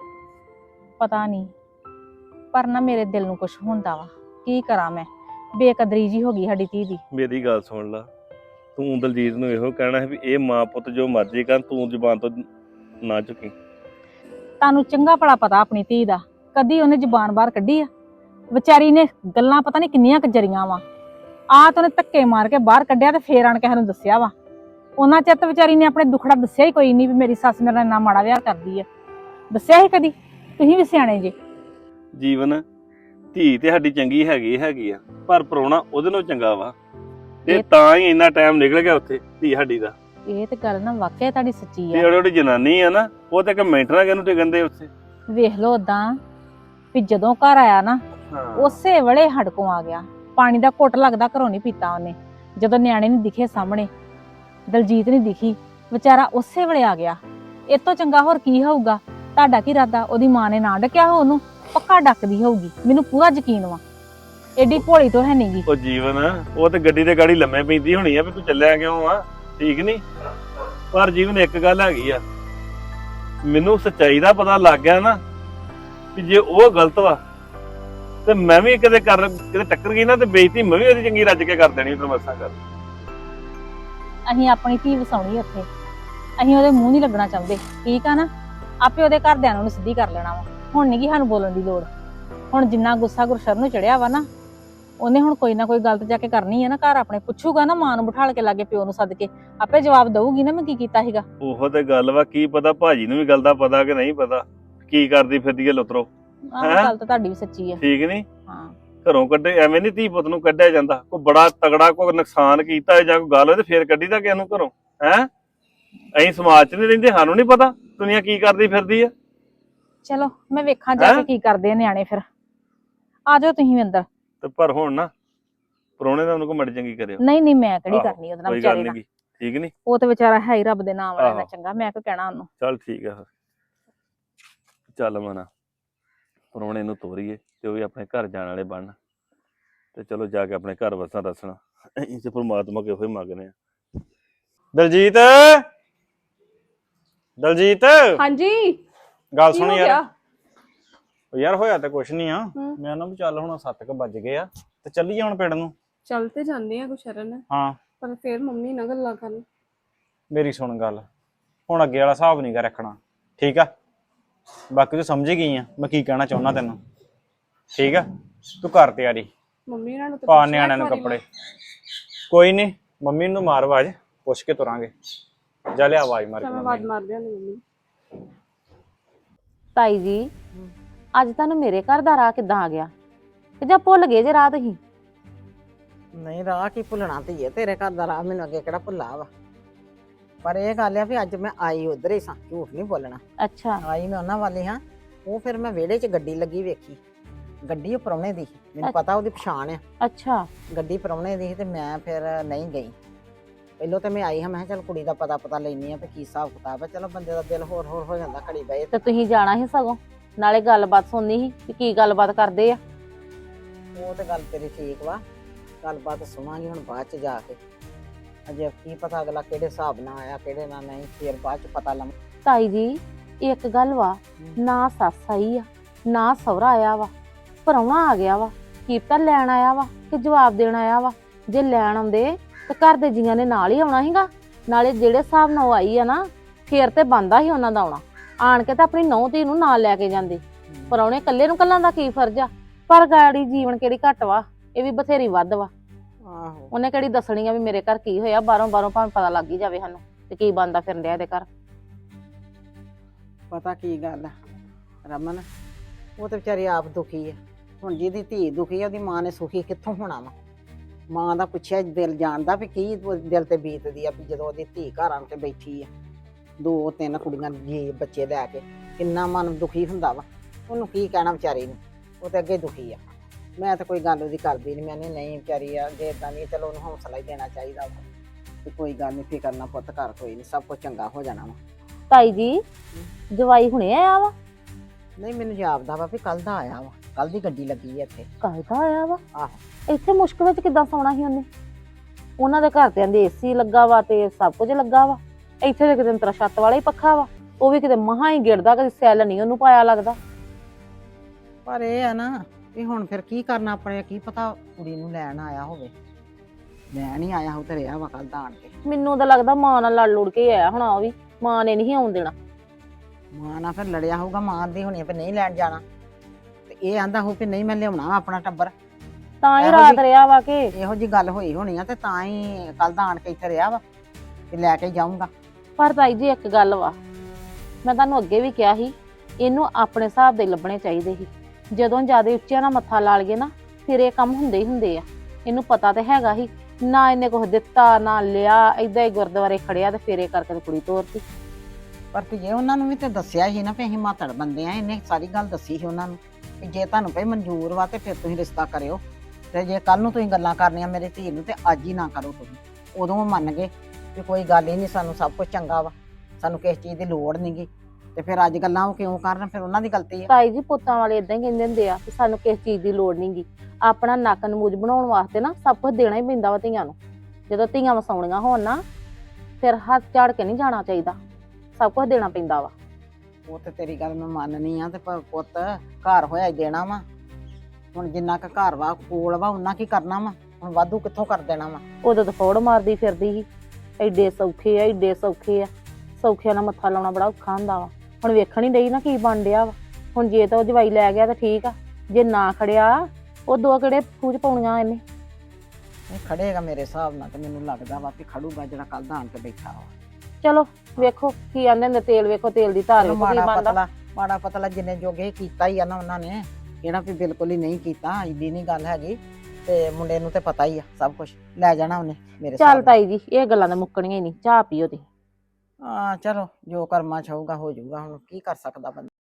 C: ਪਤਾ ਨਹੀਂ, ਪਰ ਨਾ ਮੇਰੇ ਦਿਲ ਨੂੰ ਕੁਛ ਹੁੰਦਾ ਵਾ। ਕੀ ਕਰਾਂ ਮੈਂ, ਬੇਕਦਰੀ ਜੀ ਹੋ ਗਈ ਸਾਡੀ ਧੀ ਦੀ।
A: ਮੇਰੀ ਗੱਲ ਸੁਣ ਲਾ, ਤੂੰ ਦਲਜੀਤ ਨੂੰ ਇਹੋ ਕਹਿਣਾ ਹੈ ਵੀ ਇਹ ਮਾਂ ਪੁੱਤ ਜੋ ਮਰਜ਼ੀ ਕਰਨ, ਤੂੰ ਜ਼ੁਬਾਨ ਤੋਂ ਨਾ ਚੁੱਕੀ।
C: ਤੁਹਾਨੂੰ ਚੰਗਾ ਭਲਾ ਪਤਾ ਆਪਣੀ ਧੀ ਦਾ, ਕਦੀ ਉਹਨੇ ਜ਼ੁਬਾਨ ਬਾਹਰ ਕੱਢੀ ਆ? ਵਿਚਾਰੀ ਨੇ ਗੱਲਾਂ ਪਤਾ ਨਹੀਂ ਕਿੰਨੀਆਂ ਕੁ ਜਰੀਆਂ ਵਾ। ਆਹ ਤਾਂ ਉਹਨੇ ਧੱਕੇ ਮਾਰ ਕੇ ਬਾਹਰ ਕੱਢਿਆ ਤੇ ਫੇਰ ਆਣ ਕੇ ਸਾਨੂੰ ਦੱਸਿਆ ਵਾ। ਉਹਨਾਂ ਚਿਰ ਤਾਂ ਵਿਚਾਰੀ ਨੇ ਆਪਣੇ ਦੁੱਖੜਾ ਦੱਸਿਆ ਹੀ ਕੋਈ ਨਹੀਂ ਵੀ ਮੇਰੀ ਸੱਸ ਮੇਰੇ ਨਾਲ ਇੰਨਾ ਮਾੜਾ ਵਿਹਾਰ ਕਰਦੀ ਆ। ਦੱਸਿਆ ਹੀ ਕਦੀ? ਤੁਸੀਂ ਵੀ ਸਿਆਣੇ ਜੇ।
A: ਜੀਵਨ, ਧੀ ਤੇ ਸਾਡੀ ਚੰਗੀ ਹੈਗੀ ਹੈਗੀ ਆ, ਪਰ ਪ੍ਰਾਹੁਣਾ ਉਹਦੇ ਨਾਲੋਂ ਚੰਗਾ ਵਾ, ਤੇ
C: ਇਹ-
A: ਤਾਂ ਹੀ ਇੰਨਾ ਟਾਈਮ ਨਿਕਲ ਗਿਆ ਉੱਥੇ ਧੀ ਸਾਡੀ ਦਾ।
C: ਇਹ ਤੇ ਗੱਲ ਨਾ ਵਾਕਿਆ ਤੁਹਾਡੀ ਸੱਚੀ
A: ਤੇ
C: ਆ।
A: ਜਿਹੜੀ ਉਹਦੀ ਜਨਾਨੀ ਆ ਨਾ, ਉਹ ਤੇ ਇੱਕ ਮਿੰਟ ਨਾਲ ਕਿਹਨੂੰ ਟਿਕਣ ਦੇ ਉੱਥੇ।
C: ਵੇਖ ਲਓ ਓਦਾਂ ਵੀ ਜਦੋਂ ਘਰ ਆਇਆ ਨਾ ਉਸੇ ਵੇਲੇ ਹੜਕੋਂ ਆ ਗਿਆ। ਪਾਣੀ ਦਾ ਘੁੱਟ ਲੱਗਦਾ ਘਰੋਂ ਨਹੀਂ ਪੀਤਾ ਉਹਨੇ। ਜਦੋਂ ਨਿਆਣੇ ਨਹੀਂ ਦਿਖੇ ਸਾਹਮਣੇ, ਦਲਜੀਤ ਨਹੀਂ ਦਿਖੀ, ਵਿਚਾਰਾ ਉਸੇ ਵੇਲੇ ਆ ਗਿਆ। ਇਹ ਤੋਂ ਚੰਗਾ ਹੋਰ ਕੀ ਹੋਊਗਾ? ਤੁਹਾਡਾ ਕੀ ਇਰਾਦਾ? ਉਹਦੀ ਮਾਂ ਨੇ ਨਾ ਡਕਿਆ ਹੋ ਉਹਨੂੰ? ਪੱਕਾ ਡੱਕਦੀ ਹੋਊਗੀ, ਮੈਨੂੰ ਪੂਰਾ ਯਕੀਨ ਵਾ। ਏਡੀ ਭੋਲੀ ਤੋਂ ਹੈ ਨਹੀਂਗੀ।
A: ਉਹ ਜੀਵਨ ਉਹ ਤੇ ਗੱਡੀ ਤੇ ਗਾੜੀ ਲੰਮੇ ਪੈਂਦੀ ਹੋਣੀ ਆ ਵੀ ਤੂੰ ਚੱਲਿਆ ਕਿਉਂ ਆ, ਠੀਕ ਨਹੀਂ। ਪਰ ਜੀਵਨ ਇੱਕ ਗੱਲ ਹੈਗੀ ਆ, ਮੈਨੂੰ ਸੱਚਾਈ ਦਾ ਪਤਾ ਲੱਗ ਗਿਆ ਨਾ ਕਿ ਜੇ ਉਹ ਗਲਤ ਵਾ ਤੇ ਮੈਂ ਵੀ ਕਿਤੇ ਕਰ ਕਿਤੇ ਟੱਕਰ ਗਈ ਨਾ ਤੇ ਬੇਇੱਜ਼ਤੀ ਮੈਂ ਵੀ ਉਹਦੀ ਚੰਗੀ ਰੱਜ ਕੇ ਕਰ ਦੇਣੀ। ਤੈਨੂੰ ਮੱਸਾ ਕਰ
C: ਅਸੀਂ ਆਪਣੀ ਧੀ ਵਸਾਉਣੀ ਉੱਥੇ, ਅਸੀਂ ਉਹਦੇ ਮੂੰਹ ਨਹੀਂ ਲੱਗਣਾ ਚਾਹੁੰਦੇ, ਠੀਕ ਆ ਨਾ। ਆਪੇ ਉਹਦੇ ਘਰਦਿਆਂ ਨੂੰ ਸਿੱਧੀ ਕਰ ਲੈਣਾ ਵਾ, ਹੁਣ ਨਹੀਂ ਗੀ ਸਾਨੂੰ ਬੋਲਣ ਦੀ ਲੋੜ। ਹੁਣ ਜਿੰਨਾ ਗੁੱਸਾ ਗੁਰਸ਼ਰਨ ਨੂੰ ਚੜਿਆ ਵਾ ਨਾ, ਉਹਨੇ ਹੁਣ ਕੋਈ ਨਾ ਕੋਈ ਗਲਤ ਜਾ ਕੇ ਕਰਨੀ ਹੈ ਨਾ। ਘਰ ਆਪਣੇ ਪੁੱਛੂਗਾ ਨਾ, ਮਾਂ ਨੂੰ ਬਿਠਾਲ ਕੇ ਲਾਗੇ, ਪਿਓ ਨੂੰ ਸੱਦ ਕੇ, ਆਪੇ ਜਵਾਬ ਦਊਗੀ ਨਾ ਮੈਂ ਕੀ ਕੀਤਾ ਸੀਗਾ।
A: ਉਹੋ ਤੇ ਗੱਲ ਵਾ, ਕੀ ਪਤਾ ਭਾਜੀ ਨੂੰ ਵੀ ਗੱਲ ਦਾ ਪਤਾ ਕਿ ਨਹੀਂ ਪਤਾ, ਕੀ ਕਰਦੀ ਫਿਰਦੀ ਹੈ ਲੁਤਰੋ,
C: ਆਹ
A: ਹੈਂ?
C: ਗੱਲ ਤਾਂ ਤੁਹਾਡੀ ਵੀ ਸੱਚੀ ਆ।
A: ਠੀਕ ਨਹੀਂ।
C: ਹਾਂ
A: ਘਰੋਂ ਕੱਢੇ ਐਵੇਂ ਨਹੀਂ ਧੀ ਪੁੱਤ ਨੂੰ ਕੱਢਿਆ ਜਾਂਦਾ, ਕੋਈ ਬੜਾ ਤਗੜਾ ਕੋਈ ਨੁਕਸਾਨ ਕੀਤਾ ਜਾਂ ਕੋਈ ਗੱਲ ਹੋਏ ਤੇ ਫੇਰ ਕੱਢੀ ਦਾ ਕਿਸੇ ਨੂੰ ਘਰੋਂ, ਹੈ। ਅਸੀਂ ਸਮਾਜ 'ਚ ਨਹੀਂ ਰਹਿੰਦੇ, ਸਾਨੂੰ ਨਹੀਂ ਪਤਾ ਦੁਨੀਆ ਕੀ ਕਰਦੀ ਫਿਰਦੀ ਆ।
C: ਚਲੋ ਮੈਂ ਵੇਖਾਂ ਜਾ ਕੇ
A: ਹੈਂ?
C: ਕੀ ਕਰਦੇ ਆ ਨਿਆਣੇ। ਫਿਰ ਆ ਜਾਓ ਤੁਸੀਂ ਵੀ ਅੰਦਰ।
A: ਤੇ ਪਰ ਹੁਣ ਨਾ ਪ੍ਰਾਹੁਣੇ ਦਾ ਉਹਨੂੰ ਕੋ ਮੜੀ ਚੰਗੀ ਕਰਿਓ।
C: ਨਹੀਂ ਨਹੀਂ ਮੈਂ ਕਿਹੜੀ
A: ਆਹੋ,
C: ਕਰਨੀ ਉਹਦੇ ਨਾਲ
A: ਕੋਈ ਗੱਲ
C: ਵਿਚਾਰੇ ਨਾਲ।
A: ਨਹੀਂ, ਠੀਕ ਨਹੀਂ।
C: ਉਹ ਤੇ ਵਿਚਾਰਾ ਹੈ ਹੀ ਰੱਬ ਦੇ ਨਾਮ ਵਾਲਾ, ਇੰਨਾ
A: ਆਹੋ।
C: ਚੰਗਾ, ਮੈਂ ਕਿਉਂ ਕਹਿਣਾ ਉਹਨੂੰ।
A: ਚੱਲ ਠੀਕ ਆ ਫਿਰ, ਚੱਲ ਮਨਾ ਪ੍ਰਾਹੁਣੇ ਨੂੰ ਤੋਰੀਏ ਤੇ ਉਹ ਵੀ ਆਪਣੇ ਘਰ ਜਾਣ ਵਾਲੇ ਬਣਨ, ਤੇ ਚਲੋ ਜਾ ਕੇ ਆਪਣੇ ਘਰ ਵਸਣਾ ਦੱਸਣਾ। ਅਸੀਂ ਤੇ ਪਰਮਾਤਮਾ ਕਿਹੋ ਹੀ ਮੰਗਨੇ ਆ।
E: ਦਲਜੀਤ ਦਲਜੀਤ
H: ਹਾਂਜੀ
E: ਗੱਲ
H: ਕੀ
E: ਸੁਣ
H: ਹੋ
E: ਯਾਰ।
H: ਗਿਆ?
E: ਉਹ ਯਾਰ ਹੋਇਆ ਤਾਂ ਕੁਛ ਨਹੀਂ ਆ,
H: ਹੂੰ।
E: ਮੈਂ ਨਾ ਵੀ ਚੱਲ ਹੁਣ ਸੱਤ ਕੁ ਵੱਜ ਗਏ ਆ ਤੇ ਚੱਲੀਏ ਹੁਣ ਪਿੰਡ ਨੂੰ।
H: ਚੱਲ ਤੇ ਜਾਂਦੇ ਆ ਗੁਸ਼ਰਨ,
E: ਹਾਂ
H: ਪਰ ਫੇਰ ਮੰਮੀ ਨਾਲ ਗੱਲਾਂ ਕਰਨ।
E: ਮੇਰੀ ਸੁਣ ਗੱਲ, ਹੁਣ ਅੱਗੇ ਵਾਲਾ ਹਿਸਾਬ ਨਹੀਂ ਗਾ ਰੱਖਣਾ, ਠੀਕ ਆ। ਬਾਕੀ ਤੂੰ ਸਮਝ ਹੀ ਗਈ ਆ ਮੈਂ ਕੀ ਕਹਿਣਾ ਚਾਹੁੰਦਾ ਤੈਨੂੰ, ਠੀਕ ਆ। ਤੂੰ ਕਰ ਤਿਆਰੀ,
H: ਮੰਮੀ ਨਾਲ ਤਾਂ
E: ਪਾ
H: ਪੁੱਛ ਲਿਆ
E: ਨਿਆਣਿਆਂ ਨੂੰ
H: ਇੱਕ ਵਾਰੀ
E: ਕੱਪੜੇ। ਕੋਈ ਨਹੀਂ, ਮੰਮੀ ਨੂੰ ਮਾਰ ਆਵਾਜ਼, ਪੁੱਛ ਕੇ ਤੁਰਾਂਗੇ। ਜਾ ਲਿਆ ਆਵਾਜ਼ ਮਾਰ
H: ਮੈਂ।
E: ਕੇ
H: ਤਾਂ ਮੈਂ
E: ਮੰਮੀ
H: ਆਵਾਜ਼
E: ਨੂੰ।
H: ਮਾਰ ਦਿਆਂ ਮੰਮੀ।
I: ਤਾਈ ਜੀ ਅੱਜ ਤੁਹਾਨੂੰ ਮੇਰੇ ਘਰ ਦਾ ਰਾਹ ਕਿੱਦਾਂ ਆ ਗਿਆ, ਕਿ ਜਾਂ ਭੁੱਲ ਗਏ ਜੇ ਰਾਹ ਤੁਸੀਂ?
D: ਨਹੀਂ ਰਾਹ ਕੀ ਭੁੱਲਣਾ ਧੀਏ, ਤੇਰੇ ਘਰ ਦਾ ਰਾਹ ਮੈਨੂੰ ਅੱਗੇ ਕਿਹੜਾ ਭੁੱਲਾ ਵਾ। ਪਰ ਇਹ ਗੱਲ ਆ ਵੀ ਅੱਜ ਮੈਂ ਆਈ ਉਧਰ ਹੀ ਸਾਂ, ਝੂਠ ਨਹੀਂ ਬੋਲਣਾ।
I: ਅੱਛਾ
D: ਆਈ ਮੈਂ ਉਹਨਾਂ ਵਾਲੀ ਹਾਂ। ਉਹ ਫਿਰ ਮੈਂ ਵਿਹੜੇ 'ਚ ਗੱਡੀ ਲੱਗੀ ਵੇਖੀ, ਗੱਡੀ ਉਹ ਪ੍ਰਾਹੁਣੇ ਦੀ ਸੀ, ਮੈਨੂੰ
I: ਅੱਛਾ।
D: ਪਤਾ ਉਹਦੀ ਪਛਾਣ ਆ।
I: ਅੱਛਾ
D: ਗੱਡੀ ਪ੍ਰਾਹੁਣੇ ਦੀ ਸੀ ਤੇ ਮੈਂ ਫਿਰ ਨਹੀਂ ਗਈ। ਪਹਿਲੋਂ ਤਾਂ ਮੈਂ ਆਈ ਹਾਂ, ਮੈਂ ਕਿਹਾ ਚੱਲ ਕੁੜੀ ਦਾ ਪਤਾ ਪਤਾ ਲੈਣੀ ਆ ਵੀ ਕੀ ਹਿਸਾਬ ਕਿਤਾਬ ਆ। ਚਲੋ ਬੰਦੇ ਦਾ ਦਿਲ ਹੋਰ ਹੋਰ ਹੋ ਜਾਂਦਾ ਘੜੀ ਬਏ।
I: ਤੇ ਤੁਸੀਂ ਜਾਣਾ ਸੀ ਸਗੋਂ, ਨਾਲੇ ਗੱਲਬਾਤ ਸੁਣਨੀ ਸੀ ਕਿ ਕੀ ਗੱਲਬਾਤ ਕਰਦੇ ਆ।
D: ਉਹ ਤੇ ਗੱਲ ਤੇਰੀ ਠੀਕ ਵਾ, ਗੱਲਬਾਤ ਸੁਣਾਂਗੇ ਹੁਣ ਬਾਅਦ 'ਚ ਜਾ ਕੇ। ਅਜੇ ਕੀ ਪਤਾ ਅਗਲਾ ਕਿਹੜੇ ਹਿਸਾਬ ਨਾਲ ਆਇਆ ਕਿਹੜੇ ਨਾਲ ਨਹੀਂ, ਫਿਰ ਬਾਅਦ 'ਚ ਪਤਾ ਲੱਗ।
I: ਤਾਈ ਜੀ ਇੱਕ ਗੱਲ ਵਾ, ਨਾ ਸੱਸ ਆਈ ਆ ਨਾ ਸਹੁਰਾ ਆਇਆ ਵਾ, ਪ੍ਰਾਹੁਣਾ ਆ ਗਿਆ ਵਾ। ਕੀ ਪਤਾ ਲੈਣ ਆਇਆ ਵਾ ਕਿ ਜਵਾਬ ਦੇਣ ਆਇਆ ਵਾ। ਜੇ ਲੈਣ ਆਉਂਦੇ ਤੇ ਘਰ ਦੇ ਜੀਆਂ ਨੇ ਨਾਲ ਹੀ ਆਉਣਾ ਸੀਗਾ। ਨਾਲੇ ਜਿਹੜੇ ਹਿਸਾਬ ਨਾਲ ਉਹ ਆਈ ਆ ਨਾ, ਫੇਰ ਤੇ ਬਣਦਾ ਸੀ ਉਹਨਾਂ ਦਾ ਆਉਣਾ। ਆਣ ਕੇ ਤਾਂ ਆਪਣੀ ਨੌਂ ਧੀ ਨੂੰ ਨਾਲ ਲੈ ਕੇ ਜਾਂਦੇ। ਪ੍ਰਾਹੁਣੇ ਇਕੱਲੇ ਨੂੰ ਕੱਲਾਂ ਦਾ ਕੀ ਫਰਜ਼ ਆ। ਪਰ ਗਾੜੀ ਜੀਵਨ ਕਿਹੜੀ ਘੱਟ ਵਾ, ਇਹ ਵੀ ਬਥੇਰੀ ਵੱਧ ਵਾ।
D: ਆਹੋ
I: ਉਹਨੇ ਕਿਹੜੀ ਦੱਸਣੀ ਆ ਵੀ ਮੇਰੇ ਘਰ ਕੀ ਹੋਇਆ। ਬਾਹਰੋਂ ਬਾਹਰੋਂ ਭਾਵੇਂ ਪਤਾ ਲੱਗ ਹੀ ਜਾਵੇ ਸਾਨੂੰ ਤੇ ਕੀ ਬਣਦਾ ਫਿਰਨ ਡਿਆ ਇਹਦੇ ਘਰ।
D: ਪਤਾ ਕੀ ਗੱਲ ਆ ਰਮਨ, ਉਹ ਤੇ ਵਿਚਾਰੀ ਆਪ ਦੁਖੀ ਆ। ਹੁਣ ਜਿਹਦੀ ਧੀ ਦੁਖੀ ਆ, ਉਹਦੀ ਮਾਂ ਨੇ ਸੁਖੀ ਕਿੱਥੋਂ ਹੋਣਾ ਵਾ। ਮਾਂ ਦਾ ਪੁੱਛਿਆ ਦਿਲ ਜਾਣਦਾ ਵੀ ਕੀ ਦਿਲ ਤੇ ਬੀਤਦੀ ਆ ਵੀ ਜਦੋਂ ਉਹਦੀ ਧੀ ਘਰ ਆਣ ਕੇ ਬੈਠੀ ਆ, ਦੋ ਤਿੰਨ ਕੁੜੀਆਂ ਜੀ ਬੱਚੇ ਲੈ ਕੇ, ਕਿੰਨਾ ਮਨ ਦੁਖੀ ਹੁੰਦਾ ਵਾ। ਉਹਨੂੰ ਕੀ ਕਹਿਣਾ ਵਿਚਾਰੀ ਨੂੰ, ਉਹ ਤੇ ਅੱਗੇ ਦੁਖੀ ਆ। ਮੈਂ ਤਾਂ ਕੋਈ ਗੱਲ ਉਹਦੀ ਕਰਦੀ ਨਹੀਂ, ਮੈਨੇ ਨਹੀਂ ਵਿਚਾਰੀ ਆ ਜੇ ਇਦਾਂ ਨਹੀਂ, ਚਲੋ ਉਹਨੂੰ ਹੌਸਲਾ ਹੀ ਦੇਣਾ ਚਾਹੀਦਾ ਵਾ ਵੀ ਕੋਈ ਗੱਲ ਨਹੀਂ, ਫਿਕਰ ਨਾ ਪੁੱਤ ਕਰ, ਕੋਈ ਨਹੀਂ, ਸਭ ਕੁਝ ਚੰਗਾ ਹੋ ਜਾਣਾ ਵਾ।
I: ਤਾਈ ਜੀ ਜਵਾਈ ਹੁਣੇ ਆਇਆ ਵਾ?
D: ਨਹੀਂ ਮੈਨੂੰ ਜਾਪਦਾ ਵਾ ਵੀ ਕੱਲ ਦਾ ਆਇਆ ਵਾ, ਕੱਲ ਦੀ ਗੱਡੀ ਲੱਗੀ ਆ ਇੱਥੇ।
I: ਕੱਲ ਦਾ ਆਇਆ ਵਾ?
D: ਆਹੋ।
I: ਇੱਥੇ ਮੁਸ਼ਕ ਵਿੱਚ ਕਿੱਦਾਂ ਸੌਣਾ ਸੀ ਉਹਨੇ? ਉਹਨਾਂ ਦੇ ਘਰ ਤੇ ਆਂਦੇ ਏਸੀ ਲੱਗਾ ਵਾ ਤੇ ਸਭ ਕੁਝ ਲੱਗਾ ਵਾ। ਇੱਥੇ ਤੇ ਕਿਤੇ ਤੇਰਾ ਛੱਤ ਵਾਲਾ ਹੀ ਪੱਖਾ ਵਾ, ਉਹ ਵੀ ਕਿਤੇ ਮਹਾ ਹੀ ਗਿਰਦਾ, ਕਦੇ ਸੈੱਲ ਨਹੀਂ ਉਹਨੂੰ ਪਾਇਆ ਲੱਗਦਾ।
D: ਪਰ ਇਹ ਆ ਨਾ ਵੀ ਹੁਣ ਫਿਰ ਕੀ ਕਰਨਾ ਆਪਣੇ, ਕੀ ਪਤਾ ਕੁੜੀ ਨੂੰ ਲੈਣ ਆਇਆ ਹੋਵੇ। ਲੈਣ ਹੀ ਆਇਆ ਹੋ ਤੇ ਰਿਹਾ ਵਾ ਕੱਲ ਦਾ ਆਣ ਕੇ।
I: ਮੈਨੂੰ ਤਾਂ ਲੱਗਦਾ ਮਾਂ ਨਾਲ ਲੜ ਲੁੜ ਕੇ ਆਇਆ ਹੋਣਾ, ਉਹ ਵੀ ਮਾਂ ਨੇ ਨਹੀਂ ਆਉਣ ਦੇਣਾ।
D: ਮਾਂ ਨਾਲ ਫਿਰ ਲੜਿਆ ਹੋਊਗਾ, ਮਾਂ ਦੀ ਹੋਣੀ ਵੀ ਨਹੀਂ ਲੈਣ ਜਾਣਾ, ਤੇ ਇਹ ਆਂਦਾ ਹੋ ਵੀ ਨਹੀਂ ਮੈਂ ਲਿਆਉਣਾ ਆਪਣਾ ਟੱਬਰ।
I: ਤਾਂ ਹੀ
D: ਇਹੋ
I: ਰਾਤ
D: ਜਿਹੀ-
I: ਰਿਹਾ ਵਾ ਕਿ
D: ਇਹੋ ਜੀ ਗੱਲ ਹੋਈ ਹੋਣੀ ਆ, ਤੇ ਤਾਂ ਹੀ ਕੱਲ ਦਾ ਆਣ ਕੇ ਇੱਥੇ ਰਿਹਾ ਵਾ ਕਿ ਲੈ ਕੇ ਜਾਊਂਗਾ।
I: ਪਰ ਤਾਈ ਜੀ ਇੱਕ ਗੱਲ ਵਾ, ਮੈਂ ਤੁਹਾਨੂੰ ਅੱਗੇ ਵੀ ਕਿਹਾ ਸੀ, ਇਹਨੂੰ ਆਪਣੇ ਹਿਸਾਬ ਦੇ ਲੱਭਣੇ ਚਾਹੀਦੇ ਸੀ। ਜਦੋਂ ਜਿਆਦਾ ਉੱਚਿਆਂ ਨਾਲ ਮੱਥਾ ਲਾ ਲਈਏ ਨਾ, ਫਿਰ ਇਹ ਕੰਮ ਹੁੰਦੇ ਹੀ ਹੁੰਦੇ ਆ। ਇਹਨੂੰ ਪਤਾ ਤੇ ਹੈਗਾ ਹੀ, ਨਾ ਇਹਨੇ ਕੁਝ ਦਿੱਤਾ ਨਾ ਲਿਆ, ਏਦਾਂ ਹੀ ਗੁਰਦੁਆਰੇ ਖੜਿਆ ਤੇ ਫੇਰੇ ਕਰਕੇ ਤੇ ਕੁੜੀ ਤੋਰਤੀ।
D: ਪਰ ਜੇ ਉਹਨਾਂ ਨੂੰ ਵੀ ਤੇ ਦੱਸਿਆ ਸੀ ਨਾ ਵੀ ਅਸੀਂ ਮਾਤੜ ਬੰਦੇ ਆ, ਇਹਨੇ ਸਾਰੀ ਗੱਲ ਦੱਸੀ ਸੀ ਉਹਨਾਂ ਨੂੰ ਕਿ ਜੇ ਤੁਹਾਨੂੰ ਭਈ ਮਨਜ਼ੂਰ ਵਾ ਤੇ ਫਿਰ ਤੁਸੀਂ ਰਿਸ਼ਤਾ ਕਰਿਓ, ਤੇ ਜੇ ਕੱਲ ਨੂੰ ਤੁਸੀਂ ਗੱਲਾਂ ਕਰਨੀਆਂ ਮੇਰੀ ਧੀ ਨੂੰ ਤੇ ਅੱਜ ਹੀ ਨਾ ਕਰੋ ਤੁਸੀਂ। ਉਦੋਂ ਉਹ ਮੰਨ ਗਏ ਵੀ ਕੋਈ ਗੱਲ ਹੀ ਨਹੀਂ, ਸਾਨੂੰ ਸਭ ਕੁਝ ਚੰਗਾ ਵਾ, ਸਾਨੂੰ ਕਿਸੇ ਚੀਜ਼ ਦੀ ਲੋੜ ਨਹੀਂਗੀ। ਤੇ ਫਿਰ ਅੱਜ ਗੱਲਾਂ ਉਹ ਕਿਉਂ ਕਰਨ, ਫਿਰ ਉਹਨਾਂ ਦੀ ਗਲਤੀ ਆ।
I: ਤਾਈ ਜੀ ਪੁੱਤਾਂ ਵਾਲੇ ਇਦਾਂ ਹੀ ਕਹਿੰਦੇ ਹੁੰਦੇ ਆ ਕਿ ਸਾਨੂੰ ਕਿਸ ਚੀਜ਼ ਦੀ ਲੋੜ ਨਹੀਂਗੀ। ਆਪਣਾ ਨੱਕ ਨਮੂਜ ਬਣਾਉਣ ਵਾਸਤੇ ਨਾ ਸਭ ਕੁਝ ਦੇਣਾ ਹੀ ਪੈਂਦਾ ਵਾ ਧੀਆਂ ਨੂੰ। ਜਦੋਂ ਧੀਆਂ ਵਸਾਉਣੀਆਂ ਹੋਣ ਨਾ ਫਿਰ ਹੱਥ ਝਾੜ ਕੇ ਨਹੀਂ ਜਾਣਾ ਚਾਹੀਦਾ, ਸਭ ਕੁਝ ਦੇਣਾ ਪੈਂਦਾ ਵਾ।
D: ਉਹ ਤੇ ਤੇਰੀ ਗੱਲ ਮੈਂ ਮੰਨਨੀ ਆ, ਤੇ ਪਰ ਪੁੱਤ ਘਰ ਹੋਇਆ ਹੀ ਦੇਣਾ ਵਾ। ਹੁਣ ਜਿੰਨਾ ਕੁ ਘਰ ਵਾ ਕੋਲ ਵਾ ਉਹਨਾਂ ਕੀ ਕਰਨਾ ਵਾ, ਹੁਣ ਵਾਧੂ ਕਿੱਥੋਂ ਕਰ ਦੇਣਾ ਵਾ।
I: ਉਦੋਂ ਤਾਂ ਫੋੜ ਮਾਰਦੀ ਫਿਰਦੀ ਸੀ, ਐਡੇ ਸੌਖੇ ਆ ਐਡੇ ਸੌਖੇ ਆ। ਸੌਖਿਆਂ ਨਾਲ ਮੱਥਾ ਲਾਉਣਾ ਬੜਾ ਔਖਾ ਹੁੰਦਾ ਵਾ। ਹੁਣ ਵੇਖਣ ਹੀ ਡਈ ਨਾ ਕੀ ਬਣ ਡਿਆ ਵਾ। ਹੁਣ ਜੇ ਤਾਂ ਉਹ ਜਵਾਈ ਲੈ ਗਿਆ ਤਾਂ ਠੀਕ ਆ, ਜੇ ਨਾ ਖੜਿਆ ਉਹ ਦੋ ਕਿਹੜੇ ਖੂਜ ਪਾਉਣੀਆਂ ਇਹਨੇ।
D: ਇਹ ਖੜੇਗਾ ਮੇਰੇ ਹਿਸਾਬ ਨਾਲ, ਤੇ ਮੈਨੂੰ ਲੱਗਦਾ ਵਾ ਵੀ ਖੜੂਗਾ ਜਿਹੜਾ ਕੱਲ ਦਾ ਆਣ ਕੇ ਬੈਠਾ ਵਾ।
I: ਚਲੋ ਵੇਖੋ ਕੀ ਆਂਦੇ ਹੁੰਦੇ, ਤੇਲ ਵੇਖੋ ਤੇਲ ਦੀ ਧਾਰ
D: ਚਲੋ
I: ਵੇਖੋ ਕੀ
D: ਮਾੜਾ
I: ਬਣਦਾ।
D: ਪਤਲਾ ਮਾੜਾ ਪਤਲਾ ਜਿੰਨੇ ਜੋਗੇ ਕੀਤਾ ਹੀ ਆ ਨਾ ਉਹਨਾਂ ਨੇ, ਕਿਹੜਾ ਵੀ ਬਿਲਕੁਲ ਹੀ ਨਹੀਂ ਕੀਤਾ, ਏਡੀ ਨਹੀਂ ਗੱਲ ਹੈਗੀ। ਤੇ ਮੁੰਡੇ ਨੂੰ ਤੇ ਪਤਾ ਹੀ ਆ ਸਭ ਕੁਝ, ਲੈ ਜਾਣਾ ਉਹਨੇ ਮੇਰੇ ਹਿਸਾਬ
I: ਚੱਲ
D: ਨਾਲ।
I: ਤਾਈ ਜੀ ਇਹ ਗੱਲਾਂ ਤਾਂ ਮੁੱਕਣੀਆਂ ਹੀ ਨਹੀਂ, ਚਾਹ ਪੀਓ ਤੇ।
D: ਹਾਂ ਚਲੋ ਜੋ ਕਰਮਾਂ ਚ ਹੋਊਗਾ ਹੋ ਜਾਊਗਾ, ਹੁਣ ਕੀ ਕਰ ਸਕਦਾ ਬੰਦਾ।